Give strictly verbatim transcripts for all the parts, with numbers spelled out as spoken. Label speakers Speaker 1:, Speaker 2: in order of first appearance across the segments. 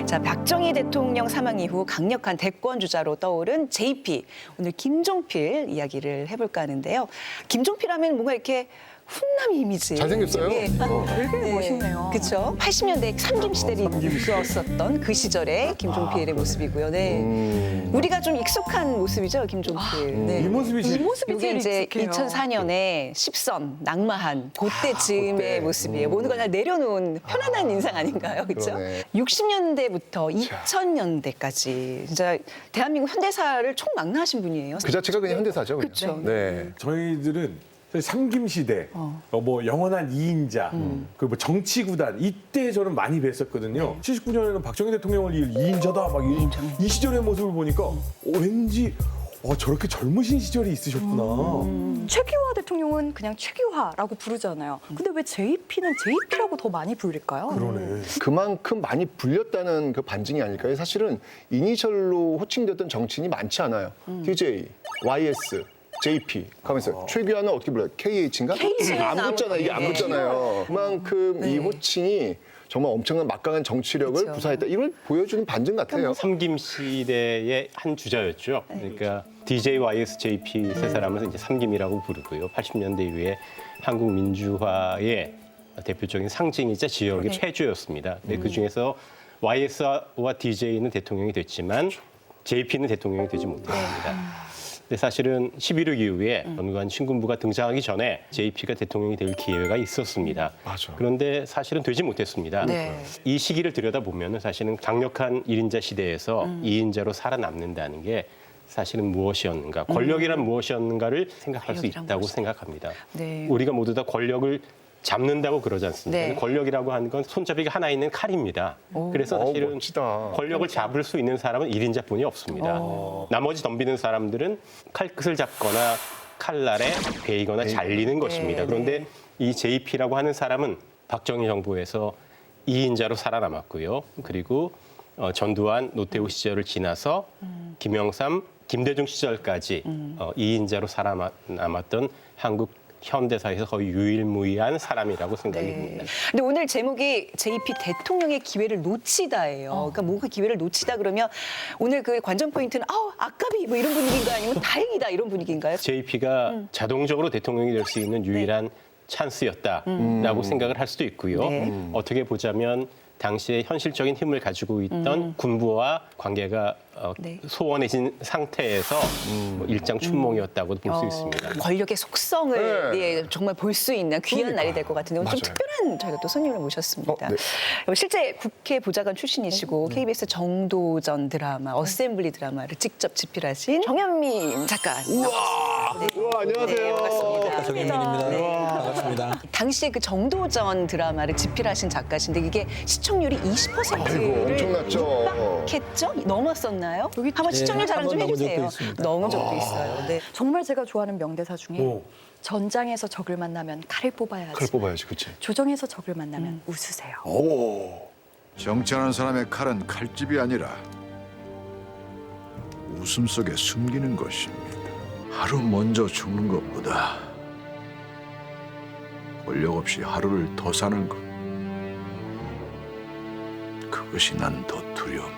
Speaker 1: 자, 박정희 대통령 사망 이후 강력한 대권 주자로 떠오른 제이피. 오늘 김종필 이야기를 해볼까 하는데요. 김종필 하면 뭔가 이렇게 훈남 이미지.
Speaker 2: 잘생겼어요.
Speaker 1: 네.
Speaker 2: 어.
Speaker 3: 되게 멋있네요.
Speaker 1: 그렇죠. 팔십 년대 삼김 시대를 이끌었었던 그 시절의 김종필의 모습이고요. 네.
Speaker 2: 음.
Speaker 1: 우리가 좀 익숙한 모습이죠, 김종필. 네.
Speaker 2: 이 모습이
Speaker 3: 이
Speaker 2: 제일
Speaker 3: 모습이
Speaker 1: 이게
Speaker 3: 제일
Speaker 1: 이제
Speaker 3: 익숙해요.
Speaker 1: 이천사 년에 십선 낙마한 그때쯤의
Speaker 2: 그때.
Speaker 1: 모습이에요.
Speaker 2: 음.
Speaker 1: 모든 걸 다 내려놓은 편안한 인상 아닌가요, 그렇죠?
Speaker 2: 그러네.
Speaker 1: 육십 년대부터 이천 년대까지 진짜 대한민국 현대사를 총망라하신 분이에요.
Speaker 2: 그 자체가 그냥 현대사죠. 그냥.
Speaker 1: 그쵸.
Speaker 2: 네.
Speaker 4: 저희들은 삼김시대,
Speaker 1: 어.
Speaker 4: 어. 뭐 영원한 이인자, 그리고 뭐 정치구단 이때 저는 많이 뵀었거든요. 칠십구 년에는 박정희 대통령을 이을 이인자다 막 이, 이 시절의 모습을 보니까 어, 왠지 어, 저렇게 젊으신 시절이 있으셨구나.
Speaker 3: 최규화 대통령은 그냥 최규화라고 부르잖아요. 근데 왜 제이피는 제이피라고 더 많이 불릴까요?
Speaker 4: 그러네.
Speaker 2: 그만큼 많이 불렸다는 그 반증이 아닐까요? 사실은 이니셜로 호칭됐던 정치인이 많지 않아요. 디제이, 와이에스, 제이피 가면서 최규하는 어떻게 불러요? 케이에이치인가? 안 붙잖아. 이게 안
Speaker 1: 네.
Speaker 2: 붙잖아요. 그만큼 이 호칭이 정말 엄청난 막강한 정치력을
Speaker 1: 그렇죠.
Speaker 2: 부사했다. 이걸 보여주는 반증 같아요.
Speaker 5: 삼김 시대의 한 주자였죠. 그러니까 디제이, 와이에스, 제이피 세 사람을 이제 삼김이라고 부르고요. 팔십 년대 이후에 한국 민주화의 대표적인 상징이자 지역의
Speaker 1: 네.
Speaker 5: 폐주였습니다. 근데 그 중에서 와이에스와 디제이는 대통령이 됐지만 제이피는 대통령이 되지 못했습니다. 근데 사실은 십일억 이후에 전두환 신군부가 등장하기 전에 제이피가 대통령이 될 기회가 있었습니다.
Speaker 2: 맞아.
Speaker 5: 그런데 사실은 되지 못했습니다.
Speaker 1: 네.
Speaker 5: 이 시기를 들여다보면 사실은 강력한 일인자 시대에서 이인자로 살아남는다는 게 사실은 무엇이었는가, 권력이란 무엇이었는가를 생각할 수
Speaker 1: 권력이란
Speaker 5: 있다고
Speaker 1: 무엇이다.
Speaker 5: 생각합니다.
Speaker 1: 네.
Speaker 5: 우리가 모두 다 권력을 잡는다고 그러지 않습니까?
Speaker 1: 네.
Speaker 5: 권력이라고 하는 건 손잡이가 하나 있는 칼입니다. 그래서
Speaker 2: 어,
Speaker 5: 사실은
Speaker 2: 멋지다.
Speaker 5: 권력을 잡을 수 있는 사람은 일인자뿐이 없습니다. 나머지 덤비는 사람들은 칼끝을 잡거나 칼날에 베이거나 잘리는 것입니다. 그런데 이 제이피라고 하는 사람은 박정희 정부에서 이인자로 살아남았고요. 그리고 어, 전두환, 노태우 시절을 지나서 김영삼, 김대중 시절까지 어, 이인자로 살아남았던 한국 현대사에서 거의 유일무이한 사람이라고 생각이 듭니다.
Speaker 1: 근데 오늘 제목이 제이피 대통령의 기회를 놓치다예요. 그러니까 뭔가 기회를 놓치다 그러면 오늘 그 관전 포인트는 아우 아깝이 뭐 이런 분위기인가요? 아니면 다행이다 이런 분위기인가요?
Speaker 5: 제이피가 자동적으로 대통령이 될 수 있는 유일한 찬스였다라고 생각을 할 수도 있고요.
Speaker 1: 네.
Speaker 5: 음. 어떻게 보자면 당시에 현실적인 힘을 가지고 있던 군부와 관계가 어,
Speaker 1: 네.
Speaker 5: 소원해진 상태에서 뭐 일장춘몽이었다고도 볼 수
Speaker 1: 어,
Speaker 5: 있습니다.
Speaker 1: 권력의 속성을
Speaker 2: 네.
Speaker 1: 예, 정말 볼 수 있는 귀한 날이 될 것 같은데 오늘 좀
Speaker 2: 맞아요.
Speaker 1: 특별한 저희가 또 손님을 모셨습니다.
Speaker 2: 어, 네.
Speaker 1: 실제 국회 보좌관 출신이시고 케이비에스 정도전 드라마, 어셈블리 드라마를 직접 집필하신 정현민 작가. 우와, 네.
Speaker 2: 우와, 안녕하세요.
Speaker 1: 네, 반갑습니다.
Speaker 6: 정현민입니다.
Speaker 1: 네.
Speaker 6: 반갑습니다.
Speaker 1: 당시에 그 정도전 드라마를 집필하신 작가신데 이게 시청률이 이십 퍼센트를
Speaker 2: 아이고, 엄청났죠.
Speaker 1: 육박했죠? 넘었었나요? 여기 한번
Speaker 6: 네,
Speaker 1: 시청률 자랑 좀
Speaker 6: 한번 넘은 적도
Speaker 1: 해주세요.
Speaker 6: 있습니다.
Speaker 1: 넘은 적도 있어요. 네.
Speaker 3: 정말 제가 좋아하는 명대사 중에
Speaker 4: 오.
Speaker 3: 전장에서 적을 만나면 칼을 뽑아야지.
Speaker 2: 칼 뽑아야지, 그치?
Speaker 3: 조정에서 적을 만나면 웃으세요.
Speaker 2: 오.
Speaker 7: 정치하는 사람의 칼은 칼집이 아니라 웃음 속에 숨기는 것입니다. 하루 먼저 죽는 것보다 권력 없이 하루를 더 사는 것, 그것이 난 더 두렵네.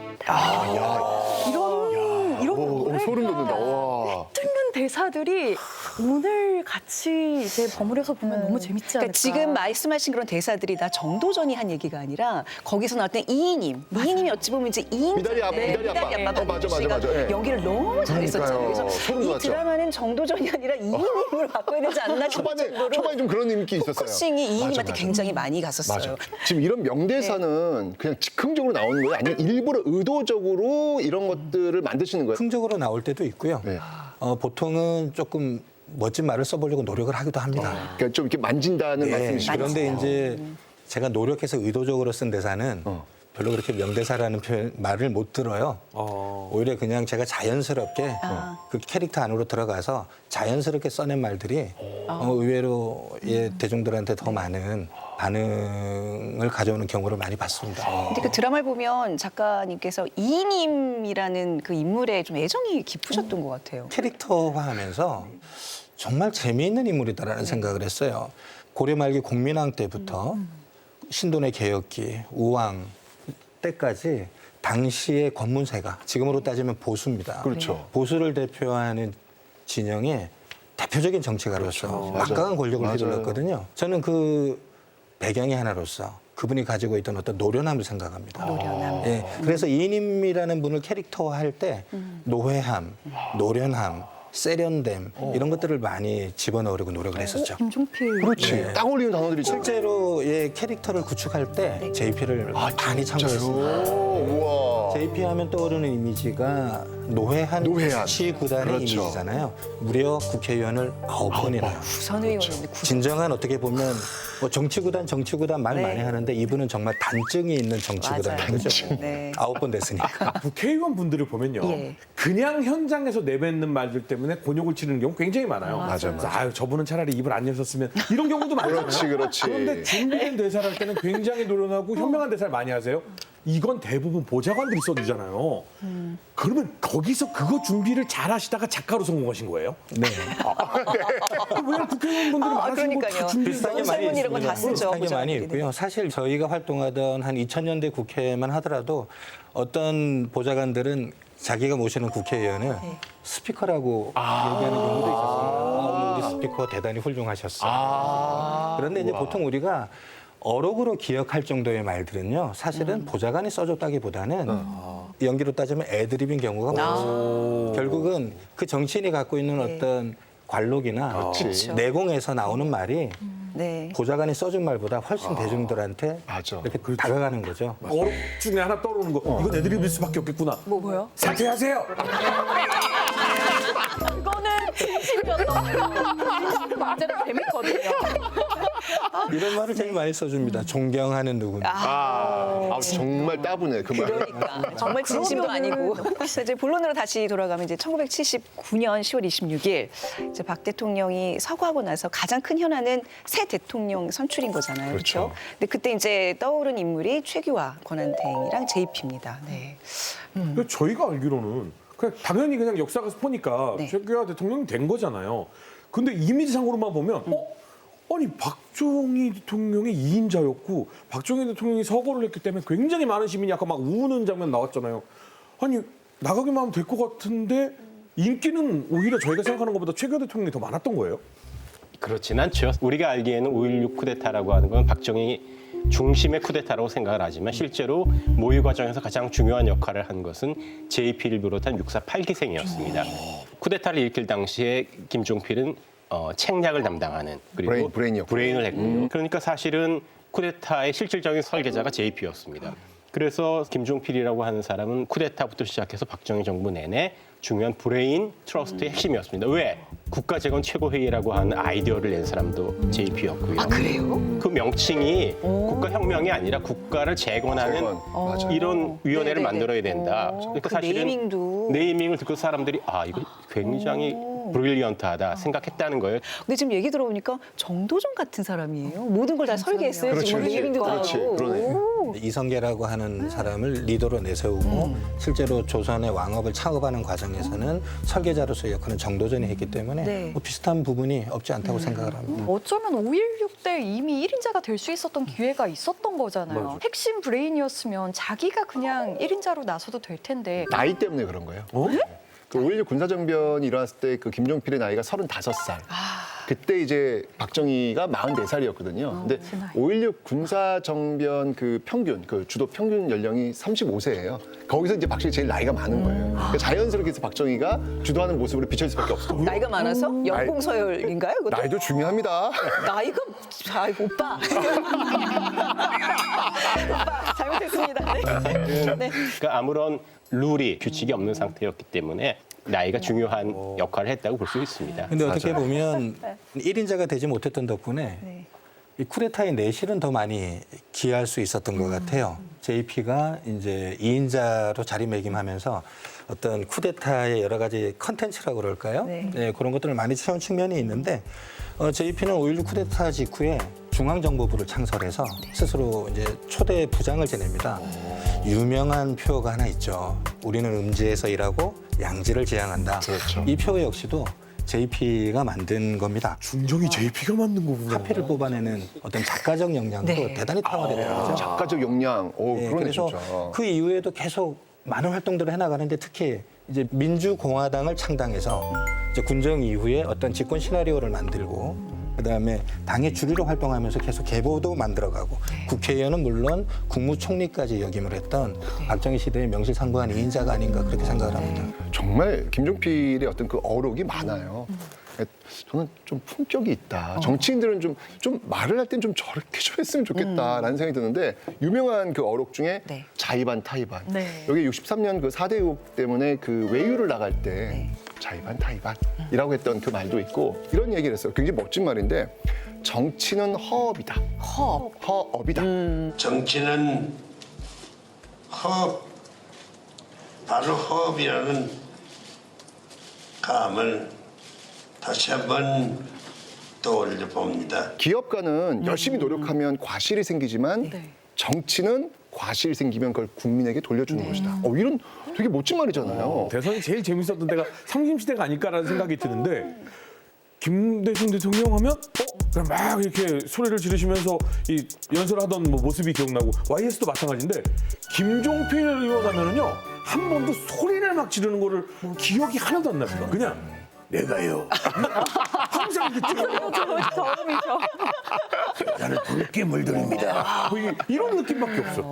Speaker 3: 이런 이런
Speaker 2: 오, 오, 소름 돋는다. 와.
Speaker 3: 뚫는 대사들이 오늘 같이 이제 버무려서 보면 너무 재밌지 않을까?
Speaker 1: 그러니까 지금 말씀하신 그런 대사들이 다 정도전이 한 얘기가 아니라 거기서 나왔던 이인임, 이인임이 어찌 보면 이제 이인
Speaker 2: 미다리 아빠, 미다리 아빠. 어, 맞아, 맞아, 맞아. 예.
Speaker 1: 연기를 너무 잘했었잖아요.
Speaker 2: 그러니까요.
Speaker 1: 그래서
Speaker 2: 소름
Speaker 1: 이
Speaker 2: 돋았죠.
Speaker 1: 드라마는 정도전이 아니라 이인임으로 바꿔야 되지 않나 싶을
Speaker 2: 초반에,
Speaker 1: 정도로
Speaker 2: 초반에 좀 그런 느낌이 있었어요.
Speaker 1: 포커싱이
Speaker 2: 맞아,
Speaker 1: 이인임한테
Speaker 2: 맞아.
Speaker 1: 굉장히 많이 갔었어요.
Speaker 2: 맞아. 지금 이런 명대사는 그냥 즉흥적으로 나오는 거예요? 아니면 일부러 의도적으로 이런 것들을 만드시는 거예요?
Speaker 6: 흥적으로 나올 때도 있고요.
Speaker 2: 네.
Speaker 6: 어, 보통은 조금 멋진 말을 써보려고 노력을 하기도 합니다.
Speaker 2: 그러니까 좀 이렇게 만진다는
Speaker 6: 네,
Speaker 2: 말씀이시죠?
Speaker 6: 그런데 이제 제가 노력해서 의도적으로 쓴 대사는
Speaker 2: 어.
Speaker 6: 별로 그렇게 명대사라는 표현, 말을 못 들어요.
Speaker 4: 어.
Speaker 6: 오히려 그냥 제가 자연스럽게
Speaker 1: 아.
Speaker 6: 그 캐릭터 안으로 들어가서 자연스럽게 써낸 말들이 어, 의외로 예, 대중들한테 더 많은 반응을 가져오는 경우를 많이 봤습니다.
Speaker 1: 근데 그 드라마를 보면 작가님께서 이인임이라는 그 인물에 좀 애정이 깊으셨던 것 같아요.
Speaker 6: 캐릭터화하면서 정말 재미있는 인물이다라는 생각을 했어요. 고려 말기 공민왕 때부터 신돈의 개혁기, 우왕 때까지 당시의 권문세가 지금으로 따지면 보수입니다.
Speaker 2: 그렇죠.
Speaker 6: 보수를 대표하는 진영의 대표적인 정치가로서
Speaker 2: 그렇죠.
Speaker 6: 막강한
Speaker 2: 맞아요.
Speaker 6: 권력을
Speaker 2: 맞아요.
Speaker 6: 휘둘렀거든요. 저는 그 배경이 하나로서 그분이 가지고 있던 어떤 노련함을 생각합니다.
Speaker 1: 노련함.
Speaker 6: 예, 그래서 이인임이라는 분을 캐릭터화할 때 노회함, 노련함, 세련됨 이런 것들을 많이 집어넣으려고 노력을 했었죠.
Speaker 3: 김종필.
Speaker 2: 그렇지. 딱 어울리는 단어들이 있잖아요.
Speaker 6: 실제로 예, 캐릭터를 구축할 때 제이피를 많이 참고했습니다.
Speaker 2: 우와.
Speaker 6: 제이피 하면 떠오르는 이미지가 노회한
Speaker 2: 노회한.
Speaker 6: 시구단의
Speaker 2: 그렇죠.
Speaker 6: 이미지잖아요. 무려 국회의원을 아홉 번이나.
Speaker 1: 부산 의원인데 구
Speaker 6: 진정한 어떻게 보면 뭐 정치구단 정치구단 말
Speaker 1: 네.
Speaker 6: 많이 하는데 이분은 정말 단증이 있는 정치구단인
Speaker 1: 맞아요.
Speaker 6: 거죠.
Speaker 1: 네.
Speaker 6: 아홉 번 됐으니까.
Speaker 4: 국회의원 분들을 보면요.
Speaker 1: 예.
Speaker 4: 그냥 현장에서 내뱉는 말들 때문에 곤욕을 치르는 경우 굉장히 많아요.
Speaker 2: 맞아요,
Speaker 4: 그래서 아유, 저분은 차라리 입을 안 여셨으면 이런 경우도 많잖아요.
Speaker 2: 그렇지, 그렇지.
Speaker 4: 그런데 준비된 대사를 할 때는 굉장히 노련하고 현명한 대사를 많이 하세요. 이건 대부분 보좌관들이 써주잖아요. 그러면 거기서 그거 준비를 잘 하시다가 작가로 성공하신 거예요?
Speaker 6: 네.
Speaker 4: 왜 국회의원분들이
Speaker 1: 아,
Speaker 4: 많으신
Speaker 1: 그러니까요.
Speaker 4: 거다 준비
Speaker 6: 비슷한 게 많이
Speaker 1: 설문 이런 거 다
Speaker 6: 있습니다.
Speaker 1: 쓰죠,
Speaker 6: 비슷한 게 많이
Speaker 1: 보좌관들이.
Speaker 6: 있고요. 사실 저희가 활동하던 한 이천 년대 국회만 하더라도 어떤 보좌관들은 자기가 모시는 국회의원을 스피커라고 얘기하는 경우도 있었어요. 아, 오늘 우리 스피커 대단히 훌륭하셨어. 그런데 이제 보통 우리가 어록으로 기억할 정도의 말들은요, 사실은 보좌관이 써줬다기보다는 연기로 따지면 애드립인 경우가 많죠. 결국은 그 정치인이 갖고 있는
Speaker 1: 네.
Speaker 6: 어떤 관록이나
Speaker 2: 그렇지.
Speaker 6: 내공에서 나오는 말이
Speaker 1: 네.
Speaker 6: 보좌관이 써준 말보다 훨씬 대중들한테
Speaker 2: 맞아.
Speaker 6: 이렇게 다가가는 거죠.
Speaker 4: 어록 중에 하나 떠오르는 거. 이건 애드립일 수밖에 없겠구나.
Speaker 3: 뭐 뭐요?
Speaker 4: 사퇴하세요.
Speaker 3: 그거는 진심이었던 거예요. 진심 언제나 재밌거든요.
Speaker 6: 이런 말을 제일 많이 써줍니다. 존경하는 누구냐.
Speaker 2: 아, 정말 따분해 그 말.
Speaker 1: 그러니까 정말 진심도 아니고. 그래서 이제 본론으로 다시 돌아가면 이제 천구백칠십구 년 시월 이십육일 이제 박 대통령이 서거하고 나서 가장 큰 현안은 새 대통령 선출인 거잖아요. 그렇죠.
Speaker 2: 그렇죠.
Speaker 1: 근데 그때 이제 떠오른 인물이 최규화 권한대행이랑 제이피입니다. 네.
Speaker 4: 근데 저희가 알기로는 그냥 당연히 그냥 역사 가서 보니까
Speaker 1: 네.
Speaker 4: 최규하 대통령이 된 거잖아요. 근데 이미지상으로만 보면 어? 아니 박정희 대통령이 이인자였고 박정희 대통령이 서거를 했기 때문에 굉장히 많은 시민이 약간 막 우는 장면 나왔잖아요. 아니 나가기만 하면 될 것 같은데 인기는 오히려 저희가 생각하는 것보다 최규하 대통령이 더 많았던 거예요?
Speaker 5: 그렇진 않죠. 우리가 알기에는 오일육 쿠데타라고 하는 건 박정희 중심의 쿠데타라고 생각을 하지만 실제로 모의 과정에서 가장 중요한 역할을 한 것은 제이피를 비롯한 육사 팔 기생이었습니다. 쿠데타를 일으킬 당시에 김종필은 어, 책략을 담당하는 그리고
Speaker 2: 브레인, 브레인이었군요.
Speaker 5: 브레인을 했고요. 그러니까 사실은 쿠데타의 실질적인 설계자가 제이피였습니다. 그래서 김종필이라고 하는 사람은 쿠데타부터 시작해서 박정희 정부 내내 중요한 브레인 트러스트의 핵심이었습니다. 왜? 국가재건 최고회의라고 하는 아이디어를 낸 사람도 제이피였고요.
Speaker 1: 아 그래요?
Speaker 5: 그 명칭이 국가혁명이 아니라 국가를 재건하는
Speaker 2: 재건. 맞아요.
Speaker 5: 이런 위원회를
Speaker 1: 네네네.
Speaker 5: 만들어야 된다.
Speaker 1: 어,
Speaker 5: 그러니까
Speaker 1: 그
Speaker 5: 사실은
Speaker 1: 네이밍도.
Speaker 5: 네이밍을 듣고 사람들이 아 이거 굉장히 브릴리언트하다 생각했다는 거예요.
Speaker 1: 근데 지금 얘기 들어보니까 정도전 같은 사람이에요. 모든 걸 다 설계했어요.
Speaker 2: 그렇지,
Speaker 1: 지금
Speaker 2: 그렇지.
Speaker 1: 네이밍도 다
Speaker 2: 그렇지,
Speaker 1: 하고.
Speaker 2: 그러네.
Speaker 1: 오.
Speaker 6: 이성계라고 하는 사람을 리더로 내세우고 실제로 조선의 왕업을 창업하는 과정에서는 설계자로서의 역할은 정도전이 했기 때문에
Speaker 1: 네.
Speaker 6: 뭐 비슷한 부분이 없지 않다고 생각을 합니다.
Speaker 3: 어쩌면 오일육 때 이미 일 인자가 될 수 있었던 기회가 있었던 거잖아요. 핵심 브레인이었으면 자기가 그냥 일 인자로 나서도 될 텐데.
Speaker 2: 나이 때문에 그런 거예요.
Speaker 4: 어?
Speaker 2: 그 오일육 군사정변이 일어났을 때 그 김종필의 나이가 서른다섯 살. 그때 이제 박정희가 마흔네 살이었거든요. 근데 오일육 군사정변 그 평균, 그 주도 평균 연령이 삼십오 세예요. 거기서 이제 박정희 제일 나이가 많은 거예요. 그러니까 자연스럽게 해서 박정희가 주도하는 모습으로 비춰질 수밖에 없어.
Speaker 1: 나이가 많아서 연공서열인가요? 그것도?
Speaker 2: 나이도 중요합니다.
Speaker 1: 나이가 아 오빠. 오빠 잘못했습니다. 네. 네.
Speaker 5: 그러니까 아무런 룰이 규칙이 없는 상태였기 때문에 나이가 중요한 역할을 했다고 볼 수 있습니다.
Speaker 6: 근데 어떻게 보면 일 인자가 되지 못했던 덕분에
Speaker 1: 네.
Speaker 6: 이 쿠데타의 내실은 더 많이 기여할 수 있었던 것 같아요. 제이피가 이제 이 인자로 자리매김하면서 어떤 쿠데타의 여러 가지 컨텐츠라고 그럴까요?
Speaker 1: 네.
Speaker 6: 네, 그런 것들을 많이 채운 측면이 있는데 어, 제이피는 오일육 쿠데타 직후에 중앙정보부를 창설해서 스스로 이제 초대 부장을 지냅니다. 유명한 표가 하나 있죠. 우리는 음지에서 일하고 양지를 지향한다.
Speaker 2: 그렇죠.
Speaker 6: 이 표 역시도 제이피가 만든 겁니다.
Speaker 4: 중정이 제이피가 만든 거구나.
Speaker 6: 카피를 뽑아내는 어떤 작가적 역량도
Speaker 1: 네.
Speaker 6: 대단히 탁월했더라고요.
Speaker 2: 작가적 역량. 오,
Speaker 6: 네,
Speaker 2: 그러네
Speaker 6: 그래서
Speaker 2: 진짜.
Speaker 6: 그 이후에도 계속 많은 활동들을 해나가는데 특히 이제 민주공화당을 창당해서 이제 군정 이후에 어떤 집권 시나리오를 만들고 그다음에 당의 주류로 활동하면서 계속 계보도 만들어가고 국회의원은 물론 국무총리까지 역임을 했던 박정희 시대의 명실상부한 이인자가 아닌가 그렇게 생각을 합니다.
Speaker 2: 정말 김종필의 어떤 그 어록이 많아요. 저는 좀 품격이 있다. 정치인들은 좀, 좀 말을 할 땐 좀 저렇게 좀 했으면 좋겠다라는 생각이 드는데 유명한 그 어록 중에
Speaker 1: 네.
Speaker 2: 자의반 타의반.
Speaker 3: 네.
Speaker 2: 여기 육십삼 년 그 사 대 의혹 때문에 그 외유를 나갈 때 자의반 타의반이라고 했던 그 말도 있고 이런 얘기를 했어요. 굉장히 멋진 말인데 정치는 허업이다.
Speaker 1: 허.
Speaker 2: 허업이다.
Speaker 8: 정치는 허업, 바로 허업이라는 감을 다시 한번 떠올려 봅니다.
Speaker 2: 기업가는 열심히 노력하면 과실이 생기지만
Speaker 3: 네.
Speaker 2: 정치는 과실이 생기면 그걸 국민에게 돌려주는 것이다. 어, 이런 되게 멋진 말이잖아요.
Speaker 4: 대선이 제일 재밌었던 때가 삼김시대가 아닐까라는 생각이 드는데 김대중 대통령 하면 어? 그냥 막 이렇게 소리를 지르시면서 이 연설하던 뭐 모습이 기억나고 와이에스도 마찬가지인데 김종필 의원 하면은요 한 번도 소리를 막 지르는 거를 기억이 하나도 안 납니다. 그냥 내가요. 항상 이렇게
Speaker 1: 저음이죠.
Speaker 4: 나는 붉게 물들입니다. 뭐 이- 이런 느낌밖에 없어.